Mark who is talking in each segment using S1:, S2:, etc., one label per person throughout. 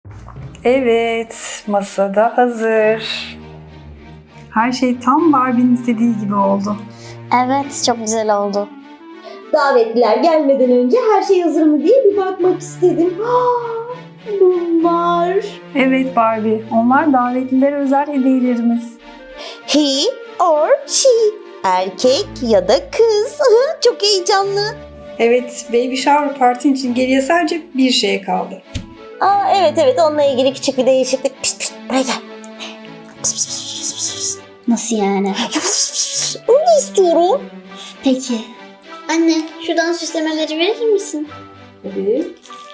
S1: Evet, masada hazır. Her şey tam Barbie'nin istediği gibi oldu.
S2: Evet, çok güzel oldu.
S3: Davetliler gelmeden önce her şey hazır mı diye bir bakmak istedim. Bunlar.
S1: Evet Barbie, onlar davetlilere özel hediyelerimiz.
S3: He or she. Erkek ya da kız. Çok heyecanlı.
S1: Evet, baby shower partin için geriye sadece bir şey kaldı.
S3: Evet onunla ilgili küçük bir değişiklik. Pişt pişt buraya gel. Pişt, pişt, pişt, pişt, pişt.
S2: Nasıl yani?
S3: Onu istiyorum.
S2: Peki. Anne, şuradan süslemeleri verir misin?
S1: Tabii.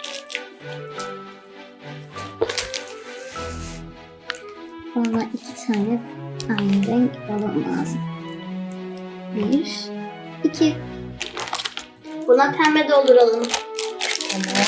S2: Bana 2 tane aynı renk balon lazım. 1, 2. Buna pembe dolduralım.
S1: Tamam.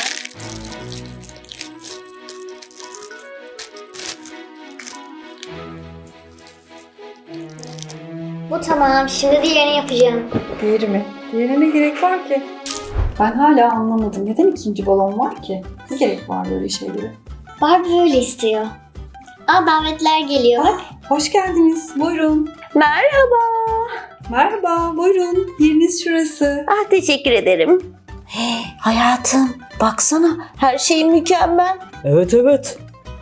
S2: Bu tamam. Şimdi diğerini yapacağım.
S1: Diğeri mi? Diğerine ne gerek var ki? Ben hala anlamadım. Neden ikinci balon var ki? Ne gerek var böyle şeylere?
S2: Barbie öyle istiyor. Davetler geliyor. Bak.
S1: Hoş geldiniz. Buyurun.
S3: Merhaba.
S1: Merhaba, buyurun. Yeriniz şurası.
S3: Teşekkür ederim. Hayatım baksana her şey mükemmel.
S4: Evet.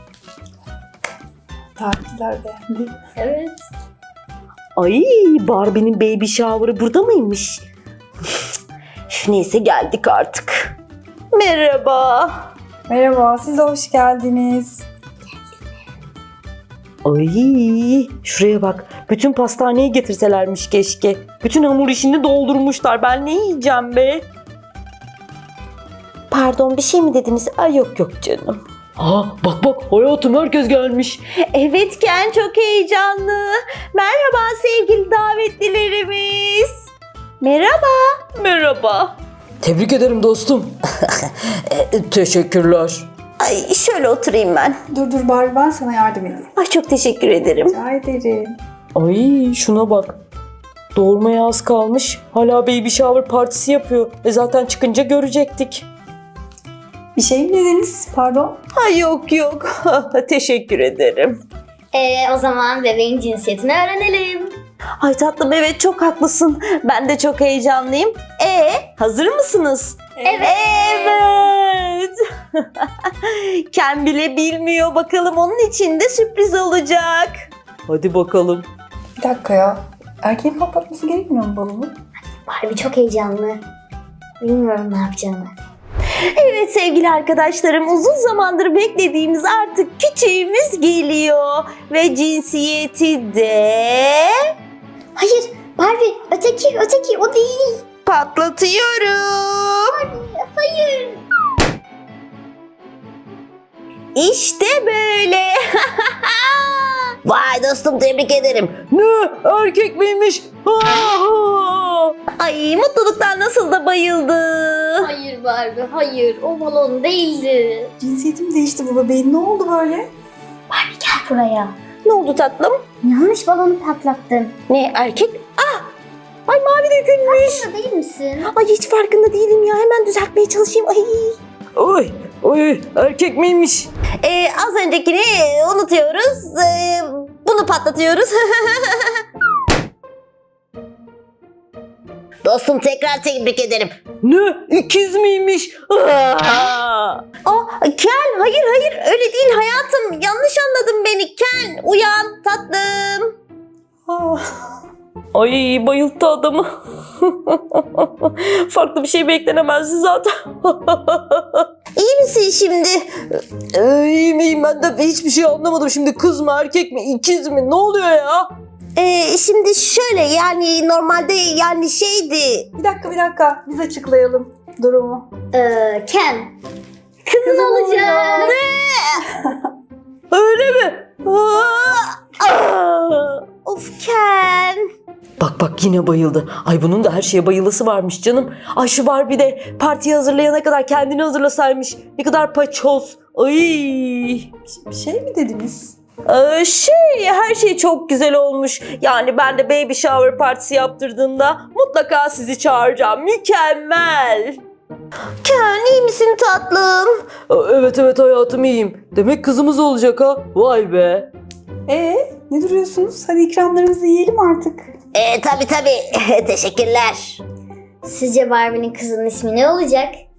S1: Davetliler beğendi.
S2: Evet.
S3: Ay Barbie'nin baby shower'ı burada mıymış? Neyse geldik artık. Merhaba.
S1: Merhaba, siz de hoş geldiniz.
S4: Ay şuraya bak. Bütün pastaneyi getirselermiş keşke. Bütün hamur işini doldurmuşlar. Ben ne yiyeceğim be?
S3: Pardon bir şey mi dediniz? Ay yok canım.
S4: Bak hayatım herkes gelmiş.
S3: Evet Ken çok heyecanlı. Merhaba sevgili davetlilerimiz. Merhaba.
S4: Tebrik ederim dostum. Teşekkürler.
S3: Ay şöyle oturayım ben.
S1: Dur Barbie, ben sana yardım edeyim.
S3: Ay çok teşekkür ederim.
S1: Rica ederim.
S4: Ay şuna bak. Doğurmaya az kalmış. Hala baby shower partisi yapıyor. Zaten çıkınca görecektik.
S1: Bir şey mi dediniz? Pardon.
S3: Ay yok. Teşekkür ederim.
S2: O zaman bebeğin cinsiyetini öğrenelim.
S3: Ay tatlım evet çok haklısın. Ben de çok heyecanlıyım. Hazır mısınız? Evet. Ken bile bilmiyor. Bakalım onun için de sürpriz olacak.
S4: Hadi bakalım.
S1: Bir dakika ya. Erkeğin patlatması gerekmiyor mu balonu?
S2: Barbie çok heyecanlı. Bilmiyorum ne yapacağını.
S3: Evet sevgili arkadaşlarım uzun zamandır beklediğimiz artık küçüğümüz geliyor. Ve cinsiyeti de...
S2: Hayır Barbie öteki o değil.
S3: Patlatıyorum.
S2: Hayır.
S3: İşte böyle. Vay dostum tebrik ederim.
S4: Ne? Erkek miymiş?
S3: Ay mutluluktan nasıl da bayıldı.
S2: Hayır Barbie hayır o balon değildi.
S1: Cinsiyetim değişti bu bebeğin. Ne oldu böyle?
S2: Gel buraya.
S3: Ne oldu tatlım?
S2: Yanlış balonu patlattın.
S3: Ne erkek? Ay mavi dökülmüş.
S2: Burada değil misin?
S3: Ay hiç farkında değilim ya. Hemen düzeltmeye çalışayım.
S4: Oy erkek miymiş?
S3: Az öncekini unutuyoruz. Bunu patlatıyoruz. Dostum tekrar tebrik ederim.
S4: Ne? İkiz miymiş?
S3: Ken hayır öyle değil hayatım. Yanlış anladın beni Ken. Uyan tatlım.
S4: Ay bayılttı adamı. Farklı bir şey beklenemezdi zaten.
S3: İyi misin şimdi?
S4: İyiyim ben de hiçbir şey anlamadım. Şimdi kız mı erkek mi ikiz mi ne oluyor ya?
S3: Şimdi şöyle yani normalde yani şeydi.
S1: Bir dakika. Biz açıklayalım durumu.
S2: Ken. Kızın olacak.
S4: Öyle mi?
S3: Of Ken.
S4: Bak yine bayıldı. Ay bunun da her şeye bayılısı varmış canım. Ay şu Barbie de partiyi hazırlayana kadar kendini hazırlasaymış. Ne kadar paçoz. Ay.
S1: Bir şey mi dediniz?
S4: Her şey çok güzel olmuş. Yani ben de baby shower partisi yaptırdığımda mutlaka sizi çağıracağım. Mükemmel.
S3: Ken iyi misin tatlım?
S4: Evet evet hayatım iyiyim. Demek kızımız olacak ha. Vay be.
S1: Ne duruyorsunuz? Hadi ikramlarımızı yiyelim artık.
S3: Tabii. Teşekkürler.
S2: Sizce Barbie'nin kızının ismi ne olacak?